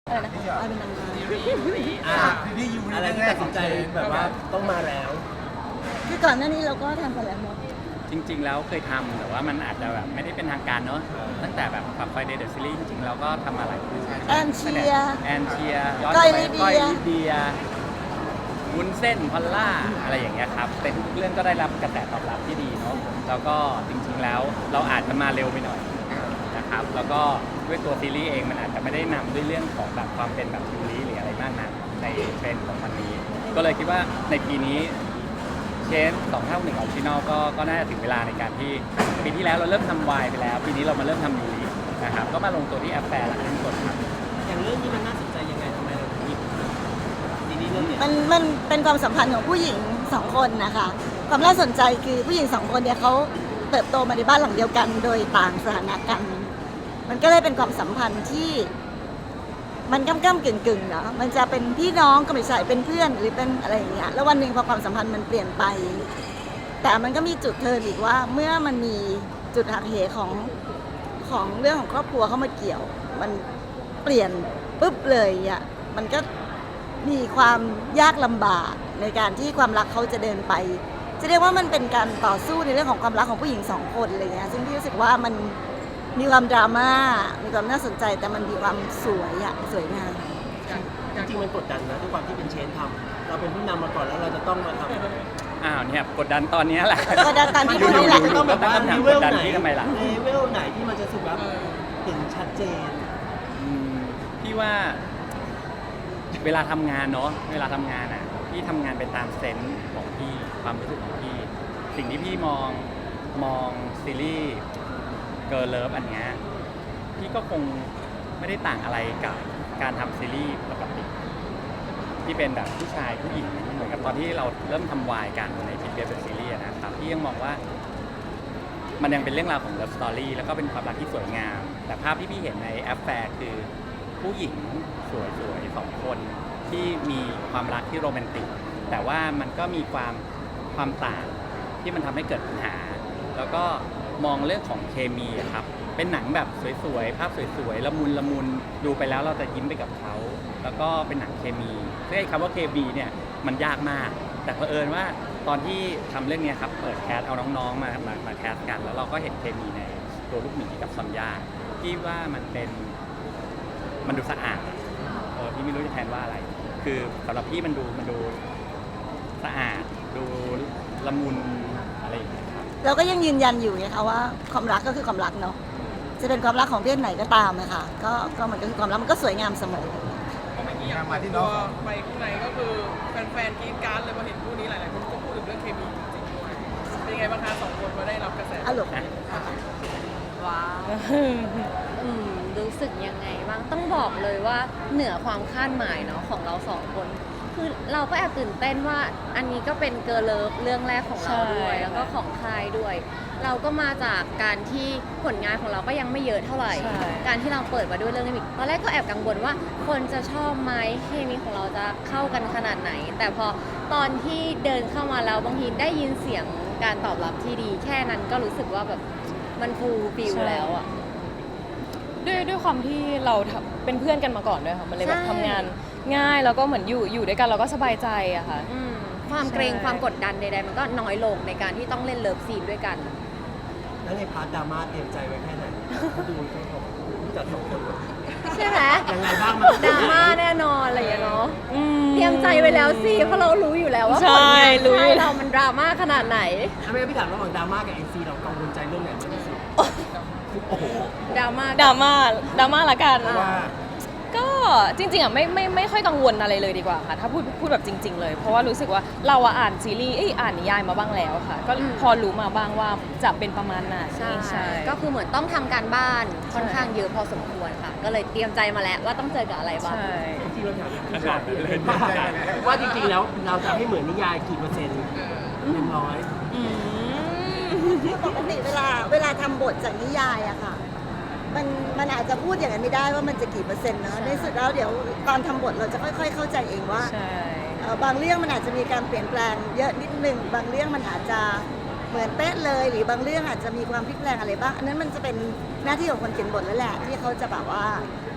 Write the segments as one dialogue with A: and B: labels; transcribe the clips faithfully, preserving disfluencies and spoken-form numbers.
A: อะไรนะคะว่าเป็นนางงาม
B: อ่ะอะไรที่ตัดสินใจแบบว่าต้องมาแล้ว
A: คือก่อนหน้านี้เราก็ทำกันแล้วเนาะ
C: จริงๆแล้วเคยทำแต่ว่ามันอาจจะแบบไม่ได้เป็นทางการเนอะตั้งแต่แบบกับไฟเดย์เดอะซีรีส์จริงๆเราก็ทำมาหลายคู่
A: แอนเชียร์
C: แอนเชียร์ย้อน
A: ก้อย
C: ไป
A: ลิเดีย
C: ก้อยลิเดียวุ้นเส้นพอลล่าอะไรอย่างเงี้ยครับแต่ทุกเรื่องก็ได้รับกระแสตอบรับที่ดีเนาะแล้วก็จริงๆแล้วเราอาจจะมาเร็วไปหน่อยนะครับแล้วก็ด้วยตัวซีรีส์เองมันอาจจะไม่ได้นำด้วยเรื่องของแบบความเป็นแบบยูริหรืออะไรมากนักในเทรนด์ของมันนี้ ก็เลยคิดว่าในปีนี้เชนสองเท่าหนึ่งออริจินอลก็ก็น่าจะถึงเวลาในการที่ปีที่แล้วเราเริ่มทำวายไปแล้ว ปีนี้เรามาเริ่มทำยูรินะครับก็มาลงตัวที่แอปแฟร์หลักทั้งหมดครับ
B: อย่างเรื่องนี้มันน่าสนใจยังไงทำไมเราถึงหยิบซีรีส์เรื่องเนี้ย
A: มันมันเป็นความสัมพันธ์ของผู้หญิงสองคนนะคะความน่าสนใจคือผู้หญิงสองคนเนี่ยเขาเติบโตมาในบ้านหลังเดียวกัน โดยต่างสถานะกัน มันก็เลยเป็นความสัมพันธ์ที่มันก้ำก้ำกึ่งกึ่งเนาะมันจะเป็นพี่น้องก็ไม่ใช่เป็นเพื่อนหรือเป็นอะไรอย่างเงี้ยแล้ววันหนึ่งพอความสัมพันธ์มันเปลี่ยนไป แต่มันก็มีจุดเทิร์นอีกว่าเมื่อมันมีจุดหักเหของของเรื่องของครอบครัวเข้ามาเกี่ยว มันเปลี่ยนปุ๊บเลยอ่ะมันก็มีความยากลำบากในการที่ความรักเขาจะเดินไป จะเรียกว่ามันเป็นการต่อสู้ในเรื่องของความรักของผู้หญิงสองคนอะไรเงี้ยซึ่งพี่รู้สึกว่ามันมีความดราม่ามีความน่าสนใจแต่มันมีความสวยอะสวยงาม
B: จริงๆมันกดดันนะด้วยความที่เป็นเชนทำเราเป็นผู้นำมาก่อนแล้วเราจะต้องมาทำ
C: อ้าวเนี่ยกดดันตอนนี้แหละ
A: ก็ดันตามที่พูดนี่แหละ
B: จะต้องแบบว่า
C: ตั้ง
B: เล
C: คำถาม
B: เว
C: ก
B: ล
C: ดดัน
B: ไหน
C: พี่ทำไมล่ะ
B: เลเวลไหนที่มันจะสุดแบบเห็นชัดเจน
C: อืมพี่ว่าเวลาทำงานเนาะเวลาทำงานอ่ะพี่ทำงานไปตามเซนส์ของพี่ความรู้สึกของพี่ สิ่งที่พี่มองมองซีรีส์เกิร์ลเลิฟอันเนี้ยพี่ก็คงไม่ได้ต่างอะไรกับการทำซีรีส์ปกติที่เป็นแบบผู้ชายผู้หญิงเหมือนกับตอนที่เราเริ่มทำวายกันในพิเศษเป็นซีรีส์นะครับพี่ยังมองว่า มันยังเป็นเรื่องราวของเลิฟสตอรี่แล้วก็เป็นความรักที่สวยงาม แต่ภาพที่พี่เห็นในแอปแฟร์คือผู้หญิงสวยๆสองคนที่มีความรักที่โรแมนติก แต่ว่ามันก็มีความความต่างที่มันทำให้เกิดปัญหา แล้วก็มองเรื่องของเคมีอะครับ เป็นหนังแบบสวยๆ ภาพสวยๆ ละมุนละมุนดูไปแล้วเราจะยิ้มไปกับเขา แล้วก็เป็นหนังเคมีซึ่งไอ้คำว่าเคมีเนี่ยมันยากมาก แต่เผอิญว่าตอนที่ทำเรื่องนี้ครับเปิดแคสเอาน้องๆมามามาแคสกัน แล้วเราก็เห็นเคมีในตัวลูกหมีกับซอนยาที่ว่ามันเป็นมันดูสะอาดเออพี่ไม่รู้จะแทนว่าอะไร คือสำหรับพี่มันดูมันดูสะอาดดูละมุนอะไรอย่างเงี้ยครับ
A: เราก็ยังยืนยันอยู่นะคะว่าความรักก็คือความรักเนาะจะเป็นความรักของเพศไหนก็ตามนะคะก็ก็มันก็คือความรักมันก็สวยงามเสมอ
D: เมื่อกี้อย่างมาที่น้องไปข้างในก็คือแฟนๆกรี๊ดกราร์ดเลยพอเห็นคู่นี้หลายๆคนก็พูดถึงเรื่องเคมีจริงๆด้วยเป็นยังไงบ้างคะสองคนพอได้รับกระแส
A: อารมณ์
E: ว้าวอืมรู้สึกยังไงบ้างต้องบอกเลยว่าเหนือความคาดหมายเนาะของเราสองคน คือเราก็แอบตื่นเต้นว่าอันนี้ก็เป็นเกิร์ลเลิฟเรื่องแรกของเราด้วย แล้วก็ของค่ายด้วย เราก็มาจากการที่ผลงานของเราก็ยังไม่เยอะเท่าไหร่ การที่เราเปิดมาด้วยเรื่องนี้ตอนแรกก็แอบกังวลว่าคนจะชอบไหมเคมีของเราจะเข้ากันขนาดไหน แต่พอตอนที่เดินเข้ามาแล้วบางทีได้ยินเสียงการตอบรับที่ดี แค่นั้นก็รู้สึกว่าแบบมันฟูลฟิลแล้วอะ
F: ด้วยด้วยความที่เราทำเป็นเพื่อนกันมาก่อนด้วยค่ะมันเลยแบบ
E: ใช่
F: ทำงานง่ายแล้วก็เหมือนอยู่อยู่ด้วยกันเราก็สบายใจอะค่ะ
E: อืมความเกรง
F: ใช่
E: ความกดดันใดๆมันก็น้อยลงในการที่ต้องเล่นเลิฟซีนด้วยกัน
B: แล้วในพาร์ทดราม่าเตรียมใจไว้แค่ไหนเขาดูเขาบอกผู้จัดสองคน
E: ใช่ไหม
B: ยังไงบ้างมัน
E: ดราม่าแน่นอนอะไรอย่างเงี้ยเนาะ
F: อืม
E: เตรียมใจไว้แล้วสิเพราะเรารู้อยู่แล้วว่า
F: ใช่
E: ผลงาน
F: รู้อยู่
E: ค่ายเรามันดราม่าขนาดไหน
B: ถ้าไม่งั้นพี่ถามระหว่างดราม่ากับเอ็นซีเรากังวลใจเรื่องไหนมากที่สุดโอ้โห
E: ดราม่า
F: ดราม่าดราม่าละกัน
B: เพราะว่า
F: ก็จริงๆอ่ะไม่ไม่ไม่ค่อยกังวลอะไรเลยดีกว่าค่ะถ้าพูดพูดแบบจริง ๆ เลย เพราะว่ารู้สึกว่าเราอะอ่านซีรีส์เอ้ยอ่านนิยายมาบ้างแล้วค่ะ ก็พอรู้มาบ้างว่าจะเป็นประมาณไหน
E: ใช่ก็คือเหมือนต้องทำการบ้านค่อนข้างเยอะพอสมควรค่ะ ก็เลยเตรียมใจมาแล้วว่าต้องเจอกับอะไรบ้าง
F: ใช่
B: ที่เราถามผู้จัดพี่เลยว่าว่าจริงๆแล้วเราจะให้เหมือนนิยายกี่เปอร์เซ็นต์หนึ่งร้อย
F: อืม
A: ปกติเวลาเวลาทำบทจากนิยายอะค่ะมันมันอาจจะพูดอย่างนั้นไม่ได้ว่ามันจะกี่เปอร์เซ็นต์เนอะในสุดแล้วเดี๋ยวตอนทำบทเราจะค่อยๆเข้าใจเองว่า
F: ใช่
A: เอ่อบางเรื่องมันอาจจะมีการเปลี่ยนแปลงเยอะนิดนึงบางเรื่องมันอาจจะเหมือนเป๊ะเลย หรือบางเรื่องอาจจะมีความพลิกแปลงอะไรบ้างอันนั้นมันจะเป็นหน้าที่ของคนเขียนบทแล้วแหละที่เขาจะแบบว่า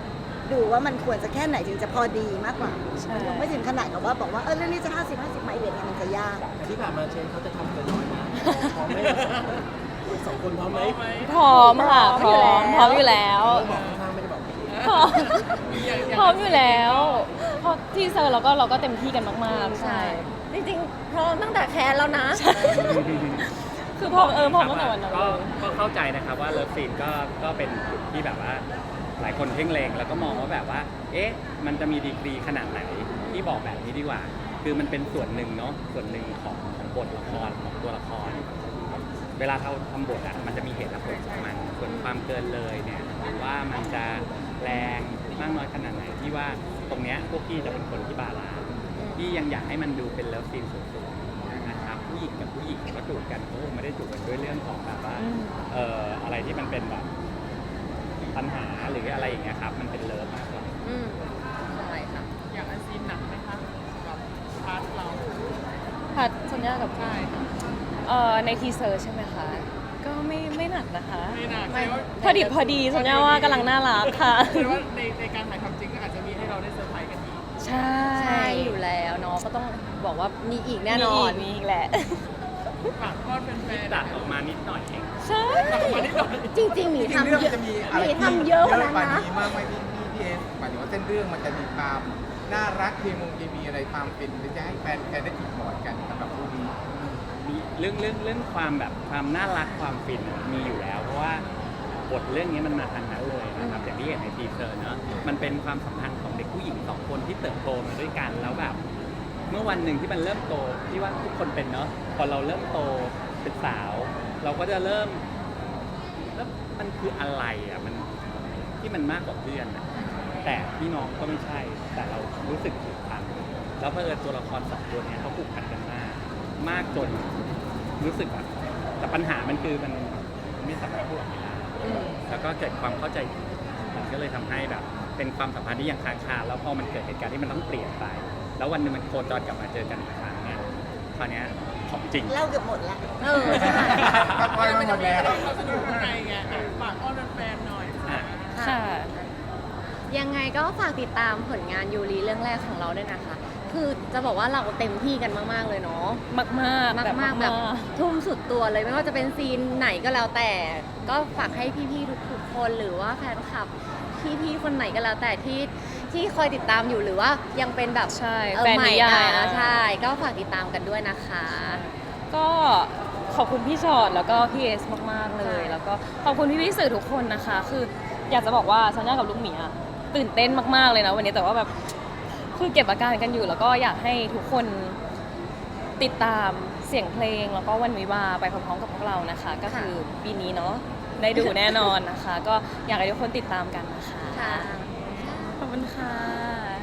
A: ดูว่ามันควรจะแค่ไหนถึงจะพอดีมากกว่า
F: ใช่
A: มันคงไม่ถึงขนาดกับว่าบอกว่าเออเรื่องนี้จะห้าสิบห้าสิบไหมหรือยังไงมันจะยาก
B: ที่ผ่านมาเชนเขาจะทำเกินร้อยนะพร้อมไหมสองคนพร้อมไหม
F: พร้อมค่ะ พร้อมพร้อมอยู่แล้ว
B: บอกข้างๆไม่ได้บอก
F: พร้อมพร้อมอยู่แล้วเพราะที่เซอร์เราก็เราก็เต็มที่กันมากๆ
E: ใช่
F: ใช่
E: จริงๆพร้อมตั้งแต่แคสแล้วนะ
F: คือพร้อมเออพร้อมตั้งแต่วันนั้น
C: ก็
F: เลย
C: ก็เข้าใจนะครับว่าเลิฟซีนก็ก็เป็นจุดที่แบบว่าหลายคนเพ่งเลงแล้วก็มองว่าแบบว่า เอ๊ะ มันจะมีดีกรีขนาดไหนที่บอกแบบนี้ดีกว่า คือมันเป็นส่วนหนึ่งเนาะส่วนหนึ่งของของบทละครของตัวละคร เวลาเราทำบทอ่ะมันจะมีเหตุและผลของมันส่วนความเกินเลยเนี่ยว่ามันจะแรงมากน้อยขนาดไหนที่ว่าตรงเนี้ยพวกพี่จะเป็นคนที่บาลานซ์ที่ยังอยากให้มันดูเป็นเลิฟซีนสุดๆนะครับผู้หญิงกับผู้หญิงก็จูบกันเขาคงไม่ได้จูบกันด้วยเรื่องของแบบว่า
F: อืม
C: เอ่ออะไรที่มันเป็นแบบปัญหาหรืออะไรอย่างเงี้ยครับมันเป็นเลิฟมากกว่า
E: อืมใช่ค่ะ
D: อย่างอันซีนหนักไหมคะกับพาร์ทเรา
F: ผัดสัญญากับ
D: ใช่ค่ะ
F: เอ่อในทีเซอร์ใช่ไหมคะ ก็ไม่ไม่หนักนะคะ
D: ไม่หนัก
F: ไม่
D: แสดงว่า
F: พอดีพอดีสัญญาว่ากำลังน่ารักค่ะ
D: แสดงว่าในในการถ่ายทำจริงก็อาจจะมีให้เราได้เซอร์ไพรส์กันอีก
F: ใช่
E: ใช่อยู่แล้วเนาะก็ต้องบอกว่ามีอีกแน่นอน
F: มีอีกแหละ
D: ฝากทอดแฟนๆ
C: ตัดออกมานิดหน่อยเอง
F: ใช่
D: ตัดออกมานิดหน่อย
E: จริงๆหมี
G: จริงๆ
E: ทำ
G: เรื่อง
E: เย
G: มัน
E: อะ
G: จะมี
E: ห
G: อะไร
E: มี
G: ที่
E: ทำเยอะกว่านั้น
G: กว่า
E: นะ
G: นี้มากไหมพี่พี่พี่เอสหมายถึงว่าเส้นเรื่องมันจะมีความน่ารักเคมงเคมีอะไรความเป็นหรือจะให้แฟนแฟนได้ติดหมอนกันสำหรับคู่นี้
C: มีเรื่องเรื่องเรื่องความแบบความน่ารักความฟินมีอยู่แล้ว เพราะว่าบทเรื่องนี้มันมาทางนั้นเลยนะครับอย่างที่เห็นในทีเซอร์เนอะมันเป็นความสัมพันธ์ของเด็กผู้หญิงสองคนที่เติบโตมาด้วยกันแล้วแบบ เมื่อวันหนึ่งที่มันเริ่มโตที่ว่าทุกคนเป็นเนาะพอเราเริ่มโตเป็นสาว เราก็จะเริ่มแล้วมันคืออะไรอ่ะมันที่มันมากกว่าเพื่อนอะแต่พี่น้องก็ไม่ใช่ แต่เรารู้สึกผูกพันแล้วเพื่อตัวละครสองตัวเนี้ยเขาผูกพันกันมาก มากจนรู้สึกแบบแต่ปัญหามันคือมันไม่สามารถพูดออกมาได้แล้วก็เกิดความเข้าใจผิดมันก็เลยทำให้แบบ เป็นความสัมพันธ์ที่ยังค้างคาแล้วพอมันเกิดเหตุการณ์ที่มันต้องเปลี่ยนไป แล้ววันหนึงมันโคจรกลับมาเจอกันอีกครั้งเนี่ยคราวเนี้ยของจริง
A: เล่าเกือบหมดแล้ว
E: เออใช่
G: ก็พอมาหมดแล้ว
D: เขาสนุกข้างในไงอ่ะฝากอ้อนแฟนๆหน่อย
C: อ่ะ
F: ค่ะ
E: ยังไงก็ฝากติดตามผลงานยูรีเรื่องแรกของเราด้วยนะคะ คือจะบอกว่าเราเต็มที่กันมากๆเลยเนาะ
F: มากมากๆ
E: มาก
F: แบบ
E: มากๆแบบ
F: มาก
E: ทุ่มสุดตัวเลยไม่ว่าจะเป็นซีนไหนก็แล้วแต่ ก็ฝากให้พี่ๆทุกๆคนหรือว่าแฟนคลับพี่ๆคนไหนก็แล้วแต่ที่ที่คอยติดตามอยู่หรือว่ายังเป็นแบบ
F: ใช่
E: เออ
F: แฟน
E: ใหม่
F: นิยาย
E: อ่ะใช่ ก็ฝากติดตามกันด้วยนะคะ
F: ก็ขอบคุณพี่ชอตแล้วก็พี่เอสมากๆเลย
E: ใช่
F: แล้วก็ขอบคุณพี่พี่ๆสื่อทุกคนนะคะ คืออยากจะบอกว่าซันย่ากับลูกหมีอะตื่นเต้นมากๆเลยนะวันนี้แต่ว่าแบบคือเก็บอาการกันอยู่ แล้วก็อยากให้ทุกคนติดตามเสียงเพลงแล้วก็วันวิวาห์ไปพร้อมๆกับพวกเรานะคะ ก็คือปีนี้เนาะได้ดูแน่นอนนะคะ ก็อยากให้ทุกคนติดตามกันนะคะ
E: ค่ะ
F: ขอบคุณค่ะ